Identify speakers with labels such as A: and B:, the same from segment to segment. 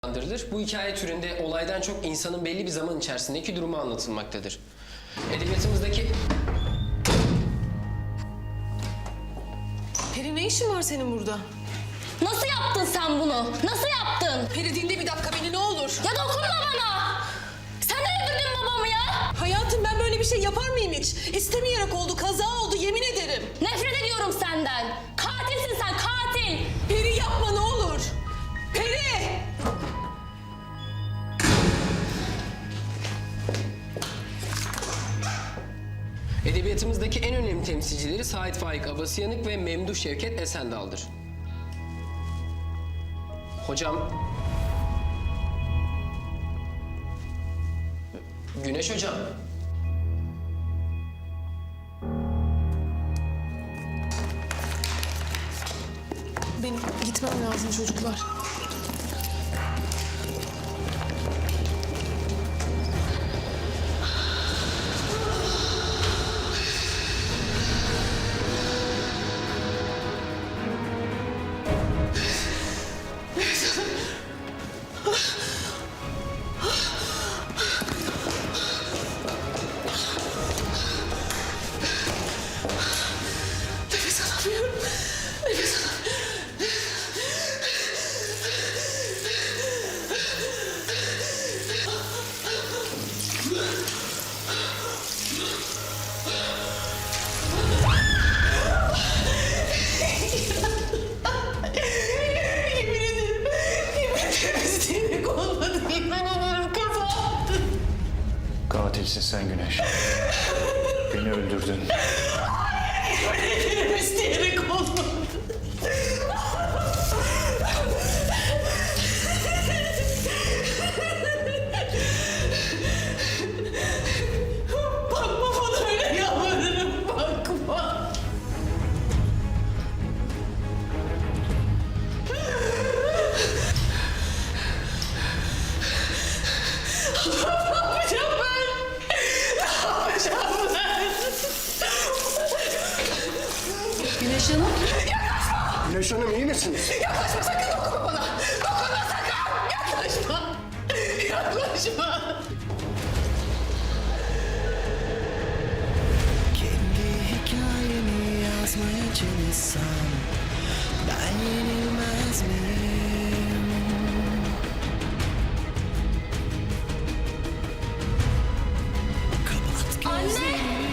A: adlandırılır. Bu hikaye türünde olaydan çok insanın belli bir zaman içerisindeki durumu anlatılmaktadır. Edebiyatımızdaki...
B: Peri, ne işin var senin burada?
C: Nasıl yaptın sen bunu? Nasıl yaptın?
B: Peri, dinle bir dakika beni, ne olur.
C: Ya dokunma bana! Sen de öldürdün babamı ya!
B: Hayatım, ben böyle bir şey yapar mıyım hiç? İstemeyerek oldu, kaza oldu, yemin ederim.
C: Nefret ediyorum senden! Katilsin sen, katil!
B: Peri, yapma ne olur. Peri!
A: Edebiyatımızdaki en önemli temsilcileri Sait Faik Abasıyanık ve Memduh Şevket Esendal'dır. Hocam... Güneş hocam.
B: Benim gitmem lazım çocuklar. Nefes alamıyorum. Nefes alamıyorum. Yemin ederim. Yemin ederim isteyerek olmadı. Yemin ederim kaza yaptım.
D: Katilsin sen Güneş. Beni öldürdün.
B: Yemin ederim isteyerek olmadı. Bakma bana öyle, yalvarırım, bakma. Ne yapacağım ben? Ne yapacağım ben?
C: Güneş Hanım.
D: Güneş Hanım iyi misiniz?
B: Yaklaşma sakın, dokunma bana. Dokunma sakın. Yaklaşma. Yaklaşma.
E: Kendi hikayemi yazmaya çalışsam ben yenilmez miyim? Kapat gözlerini.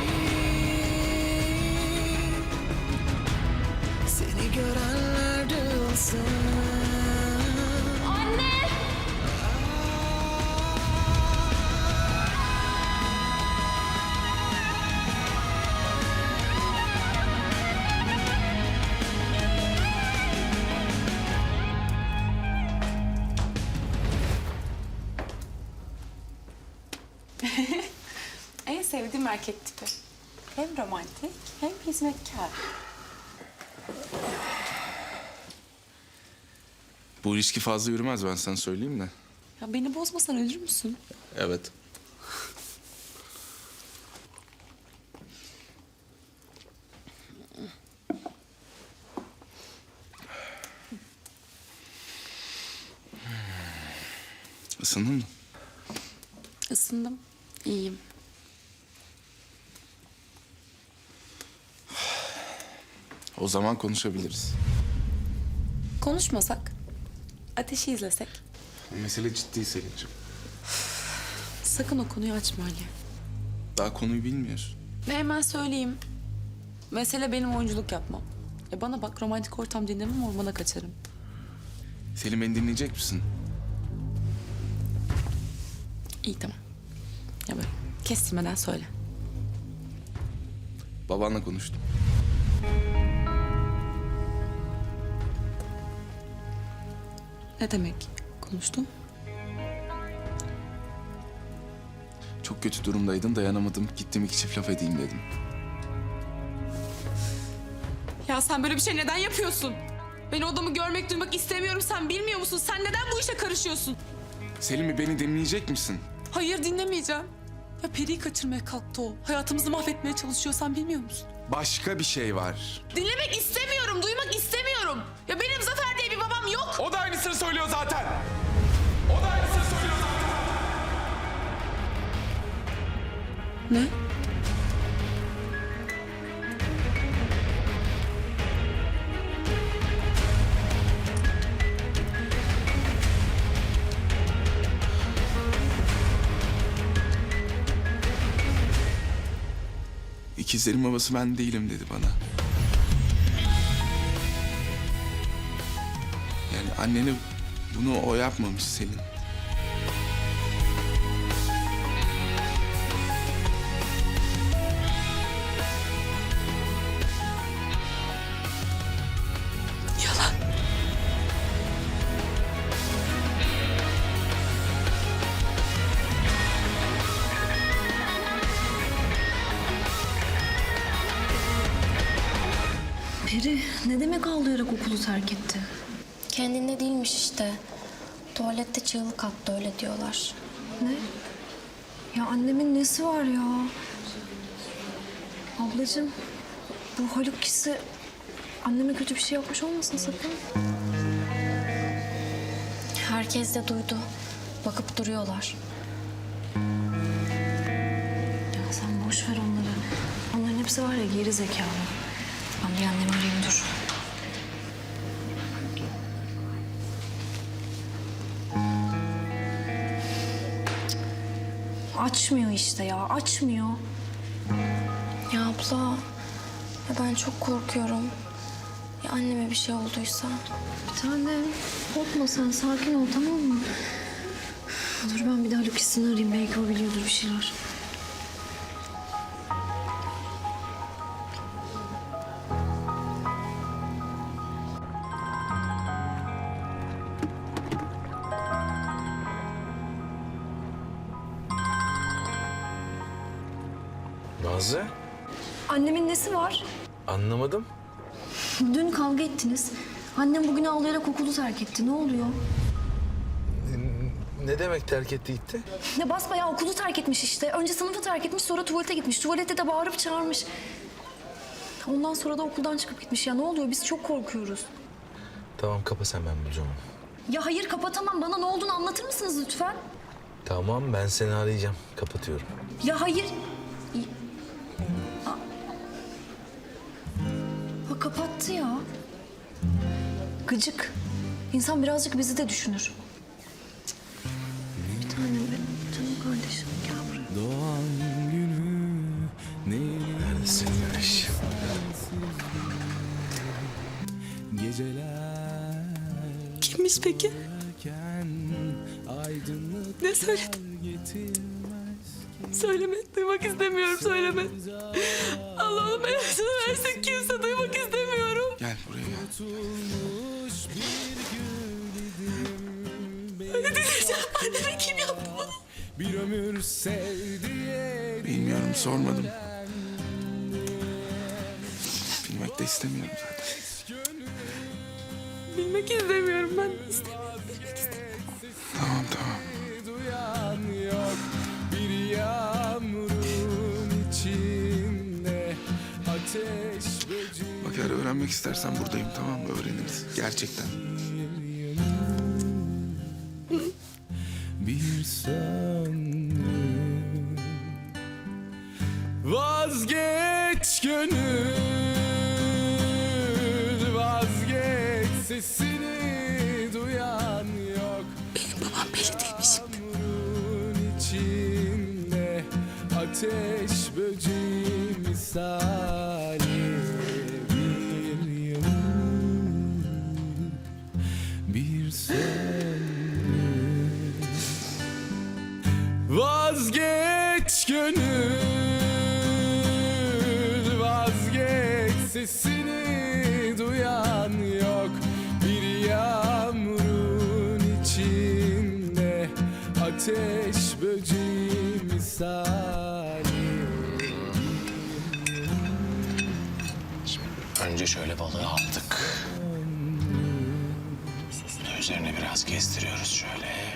E: Seni görenler duyulsun.
C: Anne!
F: En sevdiğim erkek tipi. Hem romantik hem hizmetkar.
G: Bu ilişki fazla yürümez, ben sana söyleyeyim de.
F: Ya beni bozmasan ölür müsün?
G: Evet. Isındın mı?
F: Isındım. İyiyim.
G: O zaman konuşabiliriz.
F: Konuşmasak, ateşi izlesek.
G: Mesele ciddi Selin'ciğim.
F: Sakın o konuyu açma Ali.
G: Daha konuyu bilmiyorsun.
F: Ve hemen söyleyeyim. Mesele benim oyunculuk yapmam. Bana bak, romantik ortam dinlemem, ormana kaçarım.
G: Selin, beni dinleyecek misin?
F: İyi, tamam. Ya böyle kestirmeden söyle.
G: Babanla konuştum.
F: Ne demek konuştun?
G: Çok kötü durumdaydın, dayanamadım. Gittim, iki çift laf edeyim dedim.
F: Ya sen böyle bir şey neden yapıyorsun? Ben odamı görmek, duymak istemiyorum. Sen bilmiyor musun? Sen neden bu işe karışıyorsun?
G: Selin, beni dinleyecek misin?
F: Hayır, dinlemeyeceğim. Ya Peri'yi kaçırmaya kalktı o. Hayatımızı mahvetmeye çalışıyor, sen bilmiyor musun?
G: Başka bir şey var.
F: Dinlemek istemiyorum, duymak istemiyorum. Ya benim Zafer diye bir babam yok.
G: O da aynısını söylüyor zaten.
F: Ne?
G: İkizlerin babası ben değilim dedi bana. Yani annene bunu o yapmamış Selin.
F: Yalan.
C: Peri ne demek ağlayarak okulu terk etti?
H: Kendinde değilmiş işte. Tuvalette çığlık attı öyle diyorlar.
C: Ne? Ya annemin nesi var ya? Ablacığım bu Haluk kişi anneme kötü bir şey yapmış olmasın sakın.
H: Herkes de duydu. Bakıp duruyorlar.
C: Ya sen boş ver onları. Onların hepsi var ya geri zekalı. Ben bir annemi arayayım dur. Açmıyor işte ya, açmıyor.
H: Ya abla, ya ben çok korkuyorum. Ya anneme bir şey olduysa?
C: Bir tanem, korkma sen, sakin ol tamam mı? Dur ben bir daha Lucas'ını arayayım, belki o biliyordur bir şeyler.
I: Nazlı?
C: Annemin nesi var?
I: Anlamadım.
C: Dün kavga ettiniz. Annem bugün ağlayarak okulu terk etti. Ne oluyor?
I: Ne demek terk etti gitti?
C: Ne basbayağı okulu terk etmiş işte. Önce sınıfı terk etmiş, sonra tuvalete gitmiş. Tuvalette de bağırıp çağırmış. Ondan sonra da okuldan çıkıp gitmiş. Ya ne oluyor? Biz çok korkuyoruz.
I: Tamam kapa sen, ben bulacağım onu.
C: Ya hayır kapatamam. Bana ne olduğunu anlatır mısınız lütfen?
I: Tamam, ben seni arayacağım. Kapatıyorum.
C: Ya hayır. Ha, kapattı ya. Gıcık. İnsan birazcık bizi de düşünür. Bir tanem benim canım kardeşim. Gel buraya.
I: Neredesin Güneş?
F: Kimmiş peki? Ne söyledin? Söyleme, duymak istemiyorum, söyleme. Allah'ım belasını versin, kimse duymak istemiyorum.
G: Gel buraya gel.
F: Ne diyeceğim? Anneme kim yaptı bunu?
G: Bilmiyorum, sormadım. Bilmek de istemiyorum zaten.
F: Bilmek istemiyorum, ben de istemiyorum. Bilmek istemiyorum.
G: Tamam tamam. Bak eğer öğrenmek istersen buradayım, tamam mı? Öğreniriz. Gerçekten.
E: Bir söndü. Vazgeç gönül, vazgeç, sesini duyan yok.
F: Benim babam Peri değilmiş.
E: Yağmurun içinde ateş böceği misali bir yumruk, bir söndü. Vazgeç gönül, vazgeç, sesini duyan yok. Bir yağmurun içinde ateş böceği misali.
J: Önce şöyle balığı aldık. Sosunu üzerine biraz gezdiriyoruz şöyle.